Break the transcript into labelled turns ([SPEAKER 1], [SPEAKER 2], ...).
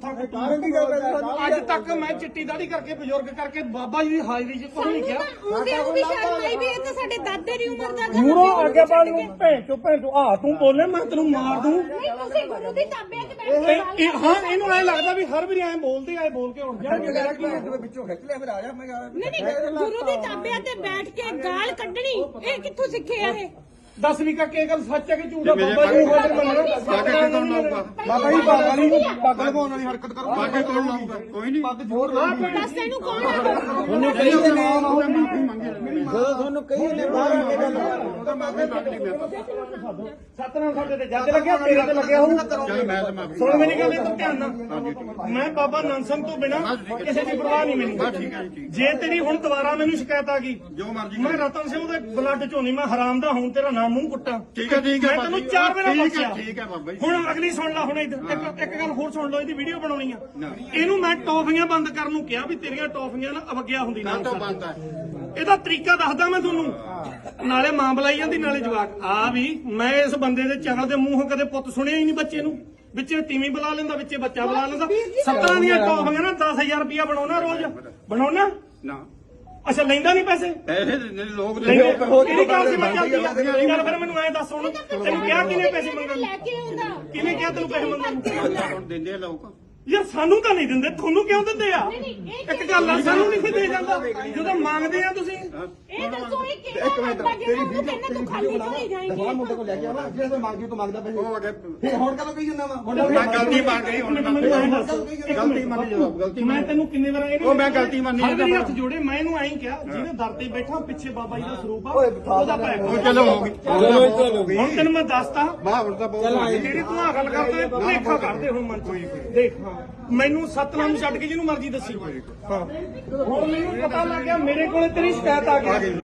[SPEAKER 1] ਮੱਥਾ ਕੁੱਟੂ। ਅੱਜ ਤੱਕ ਮੈਂ ਚਿੱਟੀ ਦਾੜੀ ਕਰਕੇ ਬਜ਼ੁਰਗ ਕਰਕੇ ਬਾਬਾ ਜੀ ਦੀ ਹਾਜ਼ਰੀ 'ਚ ਕੁਝ ਨਹੀਂ ਕਿਹਾ।
[SPEAKER 2] ਉਹ ਵੀ ਸ਼ਰਮ ਆਈ ਵੀ ਇਹ ਤਾਂ ਸਾਡੇ ਦਾਦੇ ਦੀ ਉਮਰ ਦਾ
[SPEAKER 1] ਮੂਰੋਂ ਅੱਗੇ ਬਾਲ ਨੂੰ ਭੈਣ ਚੋ ਆ ਤੂੰ ਬੋਲੇ ਮੈਂ ਤੈਨੂੰ ਮਾਰ ਦੂੰ।
[SPEAKER 2] ਨਹੀਂ ਤੁਸੀਂ ਗੁਰੂ ਦੀ ਤਾਬਿਆਂ 'ਚ ਬੈਠ ਕੇ
[SPEAKER 1] ਹਾਂ ਇਹਨੂੰ ਐ ਲੱਗਦਾ ਵੀ ਹਰ ਵਾਰੀ ਐ ਬੋਲਦੇ ਆਏ ਬੋਲ ਕੇ ਹੁਣ ਜਾਣਗੇ
[SPEAKER 3] ਵਿੱਚੋਂ ਖਿੱਚ ਲਿਆ ਫਿਰ ਆ ਜਾ ਮੈਂ
[SPEAKER 2] ਨਹੀਂ ਗੁਰੂ ਦੀ ਤਾਬਿਆਂ ਤੇ ਬੈਠ ਕੇ ਗਾਲ ਕੱਢਣੀ ਇਹ ਕਿੱਥੋਂ ਸਿੱਖਿਆ ਇਹ?
[SPEAKER 1] ਦੱਸ ਵੀ ਕਾ ਕੀ ਗੱਲ ਸੱਚ ਹੈ ਕਿ ਝੂਠ ਹੈ? ਬਾਬਾ ਜੀ ਨੂੰ ਹਾਜ਼ਰ ਮੰਨਣਾ
[SPEAKER 3] ਬਾਬਾ ਜੀ ਪੱਗ ਲਗਾਉਣ ਵਾਲੀ ਹਰਕਤ ਕਰੋ।
[SPEAKER 4] ਬਾਕੀ ਕੌਣ ਲਾਊਗਾ? ਕੋਈ ਨਹੀਂ।
[SPEAKER 3] ਪੱਗ ਜ਼ੋਰ
[SPEAKER 2] ਦੱਸ ਤੈਨੂੰ ਕੌਣ ਆ?
[SPEAKER 3] ਤੁਹਾਨੂੰ ਕਹੀ ਦੇ ਨਾਮ ਜਦੋਂ ਤੁਹਾਨੂੰ ਕਹੀ ਨੇ ਬਾਹਰ ਆ ਕੇ ਗੱਲ
[SPEAKER 4] ਉਹਦਾ ਮਾਫੀ ਮੰਗ ਲਈ ਮੈਂ
[SPEAKER 1] ਸਤਨਾਮ ਸਾਡੇ ਤੇ ਜੱਜ ਲੱਗਿਆ ਤੇਰੇ ਤੇ ਲੱਗਿਆ ਹੋਊ।
[SPEAKER 4] ਚੱਲ ਮੈਂ ਤਾਂ ਮਾਫੀ
[SPEAKER 1] ਸੁਣ ਮੇਰੀ ਗੱਲ ਇਹ ਧਿਆਨ ਨਾਲ। ਮੈਂ ਬਾਬਾ ਨੰਦ ਸਿੰਘ ਤੋਂ ਬਿਨਾ ਕਿਸੇ ਦੀ ਪਰਵਾਹ ਨਹੀਂ ਮੈਨੂੰ।
[SPEAKER 4] ਠੀਕ ਹੈ ਜੀ।
[SPEAKER 1] ਜੇ ਤੇਰੀ ਹੁਣ ਦੁਬਾਰਾ ਮੈਨੂੰ ਸ਼ਿਕਾਇਤ ਆ ਗਈ
[SPEAKER 4] ਜੋ ਮਰਜ਼ੀ
[SPEAKER 1] ਮੈਂ ਰਤਨ ਸਿੰਘ ਦੇ ਬਲੱਡ ਚੋਂ ਨਹੀਂ ਮੈਂ ਹਰਾਮ ਦਾ ਹੁਣ ਤੇਰਾ ਨਾਮ ਮੂੰਹ ਕੁੱਟਾਂ।
[SPEAKER 4] ਠੀਕ ਹੈ
[SPEAKER 1] ਮੈਂ ਤੈਨੂੰ 4 ਵਾਰ ਬਖਸ਼ਿਆ।
[SPEAKER 4] ਠੀਕ ਹੈ ਬਾਬਾ ਜੀ।
[SPEAKER 1] ਹੁਣ ਅਗਲੀ ਸੁਣ ਲੈ ਹੁਣ ਇੱਕ ਗੱਲ ਹੋਰ ਸੁਣ ਲਓ। ਇਹਦੀ ਵੀਡੀਓ ਬਣਾਉਣੀ ਆ। ਇਹਨੂੰ ਮੈਂ ਟੌਫੀਆਂ ਬੰਦ ਕਰਨ ਨੂੰ ਕਿਹਾ ਵੀ ਤੇਰੀਆਂ ਟੌਫੀਆਂ ਨਾ ਅਵਗਿਆ ਹੁੰਦੀ ਨਾ
[SPEAKER 4] ਤਾਂ ਬੰਦ ਹੈ।
[SPEAKER 1] ਇਹਦਾ ਤਰੀਕਾ ਦੱਸਦਾ ਮੈਂ ਤੁਹਾਨੂੰ। ਨਾਲੇ ਮਾਂ ਬੁਲਾਈ ਜਾਂਦੀ ਨਾਲੇ ਜਵਾਕ ਆ ਵੀ। ਮੈਂ ਇਸ ਬੰਦੇ ਦੇ ਚਗਲ ਦੇ ਮੂੰਹੋਂ ਕਦੇ ਪੁੱਤ ਸੁਣਿਆ ਹੀ ਨਹੀਂ ਬੱਚੇ ਨੂੰ। ਵਿੱਚੇ ਤੀਵੀਂ ਬੁਲਾ ਲੈਂਦਾ ਵਿੱਚੇ ਬੱਚਾ ਬੁਲਾ ਲੈਂਦਾ। 17 ਦੀਆਂ ਟੌਫੀਆਂ ਨਾ 10,000 ਰੁਪਇਆ ਬਣਾਉਣਾ ਰੋਜ਼ ਬਣਾਉਣਾ।
[SPEAKER 4] ਨਾ
[SPEAKER 1] ਅੱਛਾ ਲੈਂਦਾ ਨਹੀਂ ਪੈਸੇ
[SPEAKER 4] ਪੈਸੇ ਦਿੰਦੇ ਨੇ ਲੋਕ
[SPEAKER 1] ਕਿਹੜੀ ਗੱਲ ਸੀ ਮੈਂ ਚੱਲਦੀ ਗੱਲ ਫਿਰ ਮੈਨੂੰ ਐ ਦੱਸ ਹੁਣ ਤੈਨੂੰ ਕਿਹਾ ਕਿਹਨੇ ਪੈਸੇ ਮੰਗਣ
[SPEAKER 2] ਲੈ ਕੇ ਆਉਂਦਾ
[SPEAKER 1] ਕਿਹਨੇ ਕਿਹਾ ਤੈਨੂੰ ਪੈਸੇ ਮੰਗਣ ਨੂੰ?
[SPEAKER 4] ਹੁਣ ਦਿੰਦੇ ਆ ਲੋਕ।
[SPEAKER 1] ਯਾਰ ਸਾਨੂੰ ਤਾਂ ਨਹੀਂ ਦਿੰਦੇ ਤੁਹਾਨੂੰ ਕਿਉਂ ਦਿੰਦੇ ਆ? ਇੱਕ ਗੱਲ ਆ ਸਾਨੂੰ ਨਹੀਂ ਦੇ ਜਾਂਦਾ ਜਦੋਂ ਮੰਗਦੇ ਆ ਤੁਸੀਂ।
[SPEAKER 2] ਇਹ ਦੱਸੋ ਇਹ ਕਿਹੜਾ ਬੰਦਾ ਜਿਹੜਾ ਉਹ ਕਹਿੰਦਾ ਤੂੰ ਖਾਲੀ ਢੋਈ ਜਾਏਂਗੀ।
[SPEAKER 3] ਦਵਾ ਮੁੰਡੇ ਕੋਲ ਲੈ ਕੇ ਆਵਾ ਜਿਹੜਾ ਮੰਗਦੀ ਤੂੰ ਮੰਗਦਾ ਪੈਸੇ
[SPEAKER 4] ਉਹ ਅਗੇ
[SPEAKER 3] ਫਿਰ ਹੁਣ ਕਦੋਂ ਕਹੀ ਜਾਂਦਾ ਵਾ
[SPEAKER 4] ਮੈਂ ਗਲਤੀ ਮੰਨ ਗਈ ਹੁਣ
[SPEAKER 1] ਮੈਨੂੰ ਐਂ ਦੱਸ
[SPEAKER 4] ਗਲਤੀ ਮੰਨੀ ਜਵਾਬ ਗਲਤੀ
[SPEAKER 1] ਮੈਂ ਤੈਨੂੰ ਕਿੰਨੇ ਵਾਰ ਇਹਨੂੰ
[SPEAKER 4] ਉਹ ਮੈਂ ਗਲਤੀ ਮੰਨੀ
[SPEAKER 1] ਹਰ ਵਾਰੀ ਹੱਥ ਜੋੜੇ ਮੈਂ ਇਹਨੂੰ ਐਂ ਕਿਹਾ ਜਿਹਨੇ ਦਰ ਤੇ ਬੈਠਾ ਪਿੱਛੇ ਬਾਬਾ ਜੀ ਦਾ ਸਰੂਪ ਆ ਉਹਦਾ ਪੈ
[SPEAKER 4] ਉਹ ਚਲੋ ਹੋ ਗਈ।
[SPEAKER 1] ਹੁਣ ਤੈਨੂੰ ਮੈਂ ਦੱਸਤਾ
[SPEAKER 4] ਵਾਹ ਹੁਣ ਤਾਂ ਬਹੁਤ
[SPEAKER 1] ਜਿਹੜੀ ਤੂੰ ਆ ਗੱਲ ਕਰਦੇ ਭੁਲੇਖਾ ਕਰਦੇ ਹੁਣ ਮਨ ਚ ਦੇਖ ਹਾਂ ਮੈਨੂੰ ਸਤਨਾਮ ਛੱਡ ਕੇ ਜਿਹਨੂੰ ਮਰਜ਼ੀ ਦੱਸੀ ਹਾਂ ਹੁਣ ਮੈਨੂੰ ਪਤਾ ਲੱਗ ਗਿਆ ਮੇਰੇ ਕੋਲੇ ਤੇਰੀ ਸ਼ਿਕਾਇਤ ਆ ਗਈ।